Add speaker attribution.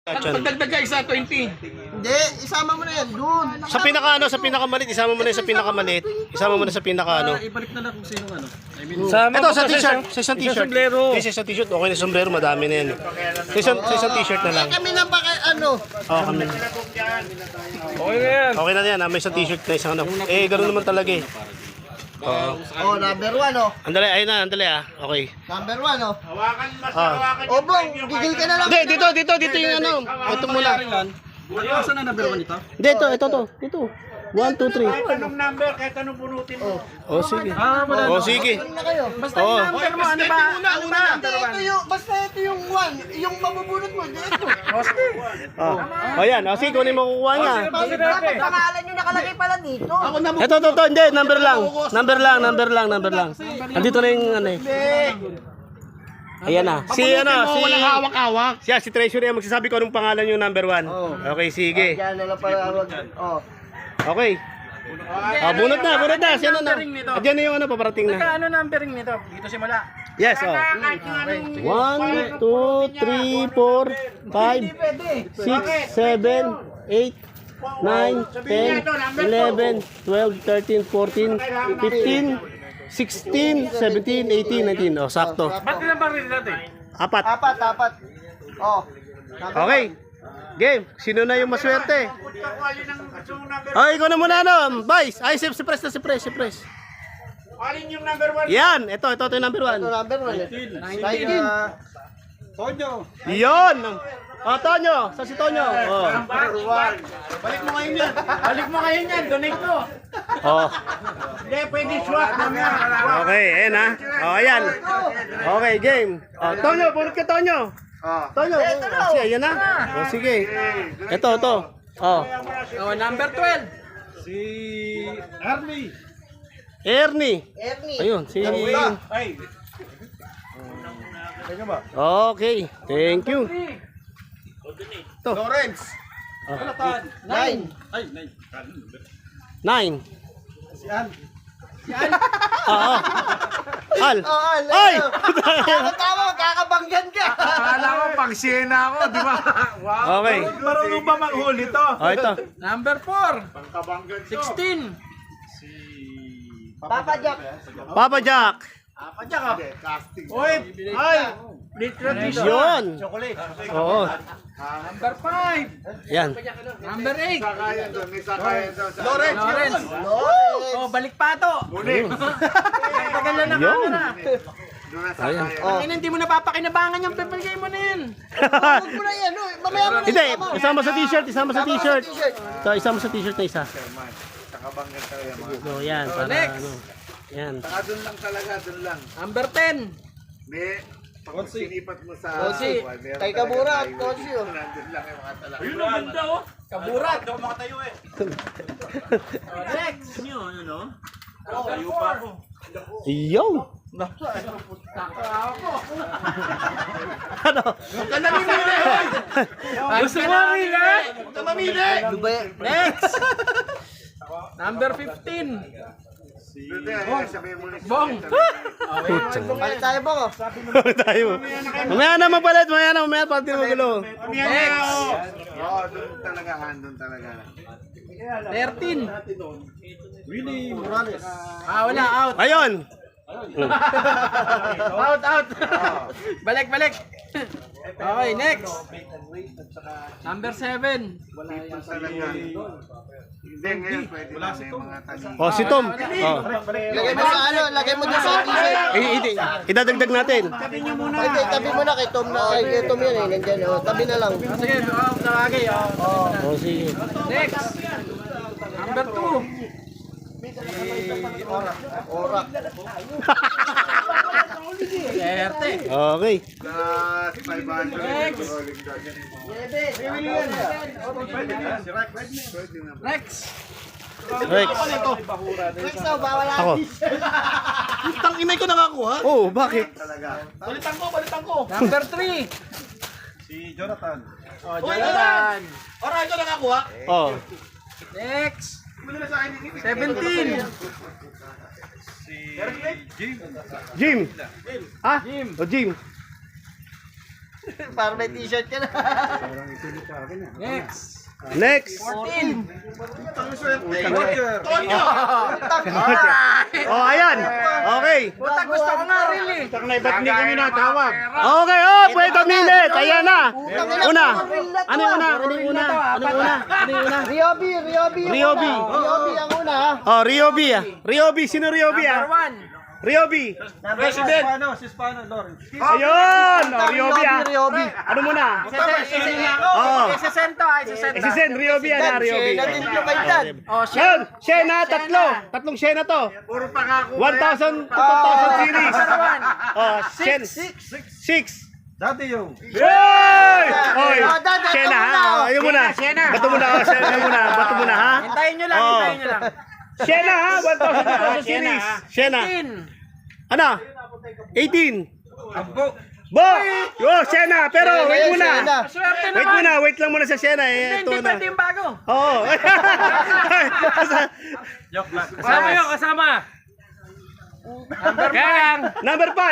Speaker 1: Pagdagdag ka isa, 20.
Speaker 2: Hindi, isama mo na yan doon.
Speaker 3: Sa pinakamalit, isama mo na sa pinakamalit. Isama mo na sa pinaka
Speaker 1: Ibalik na lang kung sino ano.
Speaker 3: Ito sa t-shirt, sa isang t-shirt.
Speaker 1: sombrero.
Speaker 3: Sa isang t-shirt, okay na sombrero, madami na yan. Sa isang t-shirt na lang.
Speaker 2: Kami na ba
Speaker 3: Oo, kami.
Speaker 1: Okay na yan.
Speaker 3: Okay na yan, may isang t-shirt na isang ano. Eh, ganoon naman talaga eh. Oo.
Speaker 2: number 1
Speaker 3: Andali, ayun na, andali ah. Okay.
Speaker 2: Number 1
Speaker 3: Ah.
Speaker 2: Bong, gigil ka na lang.
Speaker 3: Hindi, dito yung ano. Ito muna.
Speaker 1: Saan na number 1 ito?
Speaker 3: Hindi, ito. 1, 2, 3.
Speaker 1: Anong number? Kahit anong bunutin mo.
Speaker 3: Oh, sige.
Speaker 1: Wala.
Speaker 3: Oh, sige.
Speaker 2: Ano na kayo?
Speaker 1: Basta
Speaker 3: Oo.
Speaker 1: yung number mo. Ano ba? Ano ba?
Speaker 2: Basta ito yung 1. Yung mabubunot mo, dito.
Speaker 3: Oh, yan. Oh, sige, kunin mo kukuha niya.
Speaker 2: Dapat pangalan yung nakalagay pala dito. Ako na
Speaker 3: Ito, hindi. Number lang. Andito na yung ano eh. Ayan na. Si ano, si
Speaker 1: hawak-hawak.
Speaker 3: si Treasury ang magsasabi ko anong pangalan yung number 1. Okay, sige.
Speaker 2: Yan na lang pala.
Speaker 3: Okay. Bunot na. Sino na? Diyan na yung ano, paparating na.
Speaker 1: Ano numbering nito? Dito simula.
Speaker 3: Yes, oh. 1, 2, 3, 4, 5, 6, 7, 8, 9, 10, 11, 12, 13, 14, 15, 16, 17, 18, 19. Oh, sakto.
Speaker 1: Ba't ilang baril natin?
Speaker 3: Apat.
Speaker 2: Apat.
Speaker 3: Okay. Game. Sino na yung maswerte? Oh, ikaw na muna ano. Vice. Ay, si Pres.
Speaker 1: Alin yung number 1?
Speaker 3: Yan. Ito yung number 1.
Speaker 2: Number 1. 19.
Speaker 1: Tonyo.
Speaker 3: Yun. Oh, Tonyo. Sa si Tonyo. Oh.
Speaker 1: Balik mo ngayon yan. Donate mo.
Speaker 3: Oh.
Speaker 1: Hindi, pwede swap naman.
Speaker 3: Okay, ayan ha. Oh, ayan. Okay, game. Oh, Tonyo, bunot ka Tonyo. Tonyo. Oh, sige, ayan na. Oh, sige. Ito. Oh.
Speaker 1: Number 12. Si Ernie.
Speaker 2: Ernie.
Speaker 3: Ayun, si
Speaker 1: Ay.
Speaker 3: Okay, thank you. Ito.
Speaker 1: Lawrence.
Speaker 2: 9.
Speaker 3: 9.
Speaker 1: Si Al.
Speaker 3: Oo. Al.
Speaker 2: Ay! Tama, kakabanggan ka.
Speaker 1: Akala ko pang Siena ako, di ba? Wow.
Speaker 3: Okay.
Speaker 1: Marunong ba manghuli to?
Speaker 3: Oh, ito.
Speaker 1: Number 4. 16.
Speaker 2: Papa Jack.
Speaker 3: Papa Jack.
Speaker 1: Oy, ay. Literally.
Speaker 3: Yun.
Speaker 1: Chocolate.
Speaker 3: Oo.
Speaker 1: Number 5.
Speaker 3: Yan.
Speaker 1: Number 8. Lawrence. Oh, balik pa to. Tagal na
Speaker 3: Yun.
Speaker 1: na.
Speaker 3: Ayan.
Speaker 1: Hindi mo napapakinabangan yung pipigay mo na yan.
Speaker 2: Huwag mo na yan. Mamaya mo na
Speaker 3: Hindi, isama sa t-shirt. So, isama sa t-shirt na isa. So, yan. Para
Speaker 1: Next.
Speaker 3: ano. Yan.
Speaker 4: Doon lang talaga, doon lang.
Speaker 1: Number 10.
Speaker 4: May pag sinipat mo sa
Speaker 2: Konsi. Kay Kabura at Konsi.
Speaker 4: nandun lang yung mga talaga.
Speaker 1: Ayun ang ganda oh. Kaburat. Hindi ako makatayo eh. Next. Tayo pa ako.
Speaker 3: Yo. Ano?
Speaker 1: Gusto mo rin eh?
Speaker 2: Ano ba yan?
Speaker 1: Next. Number 15.
Speaker 4: Sabihin mo na
Speaker 1: Bong.
Speaker 2: Balik tayo ba ko?
Speaker 3: Tayo. Mamaya na magpalit. Mamaya pati magulo.
Speaker 1: Next.
Speaker 4: Oo, doon talaga, doon talaga.
Speaker 1: 13. Wala out.
Speaker 3: Ayun.
Speaker 1: Out. Balik. Okay, next. Number 7.
Speaker 4: Talaga. Hindi, ngayon pwede na may mga tanong.
Speaker 3: Oh, si Tom. Oh.
Speaker 2: Lagay mo sa lagay mo dyan sa t-shirt.
Speaker 3: Idadagdag natin.
Speaker 2: Pwede, tabi mo na kay Tom kay Tom yan nandyan. Tabi na lang.
Speaker 1: Sige, nakagay.
Speaker 3: Oh, sige.
Speaker 1: Next. Number 2.
Speaker 2: Orak.
Speaker 1: Erte.
Speaker 3: Okay.
Speaker 4: Plus 500.
Speaker 1: Next. Next.
Speaker 3: Rex.
Speaker 2: Next na, bawal
Speaker 3: Ako.
Speaker 1: Tang inay ko nakakuha.
Speaker 3: Oh, bakit?
Speaker 1: Balitan ko. Number 3.
Speaker 4: Si Jonathan.
Speaker 1: Oh, Jonathan.
Speaker 2: Orak ko nakakuha.
Speaker 3: Oh.
Speaker 1: Next. 17.
Speaker 4: Si Jim.
Speaker 3: Jim. Ah?
Speaker 1: Jim.
Speaker 3: Oh, Jim.
Speaker 2: Para may t-shirt ka na.
Speaker 3: Next.
Speaker 1: 14.
Speaker 3: Oh, ayan. Okay.
Speaker 1: Puta, gusto ko nga really.
Speaker 4: Ba't hindi kami natawag?
Speaker 3: Okay, oh, pwede minute. Ayan na. Una. Ano yung una? Ano yung una? Ano yung una? Ano yung una?
Speaker 2: Ryobi
Speaker 3: Ryobi.
Speaker 2: Ryobi ang una.
Speaker 3: Oh, Ryobi ah. Ryobi, sino Ryobi ah?
Speaker 1: Number 1.
Speaker 3: Ryobi.
Speaker 1: President.
Speaker 3: Ayun, oh, Ryobi ah.
Speaker 2: Ryobi.
Speaker 3: Ano muna?
Speaker 1: Oo. Isesento ah, isesento.
Speaker 3: Isisen, Ryobi ah, Ryobi.
Speaker 2: Shena din yung kay Dad.
Speaker 1: Oh,
Speaker 3: Yan, Shena, tatlo. Tatlong Shena to.
Speaker 4: Puro pangako.
Speaker 3: 1,000 to 2,000 series. Oh, Shen. 6.
Speaker 1: Dati yung.
Speaker 3: Yoy! Oy,
Speaker 2: Dad, ito
Speaker 3: Shena
Speaker 2: muna,
Speaker 3: ha.
Speaker 2: oh.
Speaker 3: Oh, yun muna. Bato muna, oh, Shena muna. Bato muna ha.
Speaker 1: Hintayin nyo lang,
Speaker 3: Oo.
Speaker 1: hintayin nyo lang.
Speaker 3: Shena ha, 1,000 series. Shena.
Speaker 1: 15.
Speaker 3: Ano? 18.
Speaker 1: Abo.
Speaker 3: Bo! Yo, Shena, pero wait muna.
Speaker 2: Shena.
Speaker 1: Swerte
Speaker 3: Wait
Speaker 1: naman.
Speaker 3: muna, wait lang muna sa Shena eh.
Speaker 1: Hindi
Speaker 3: Ito na.
Speaker 1: pwede yung bago.
Speaker 3: Oo.
Speaker 1: Kasama yun, kasama. Number 5.
Speaker 3: Number 5.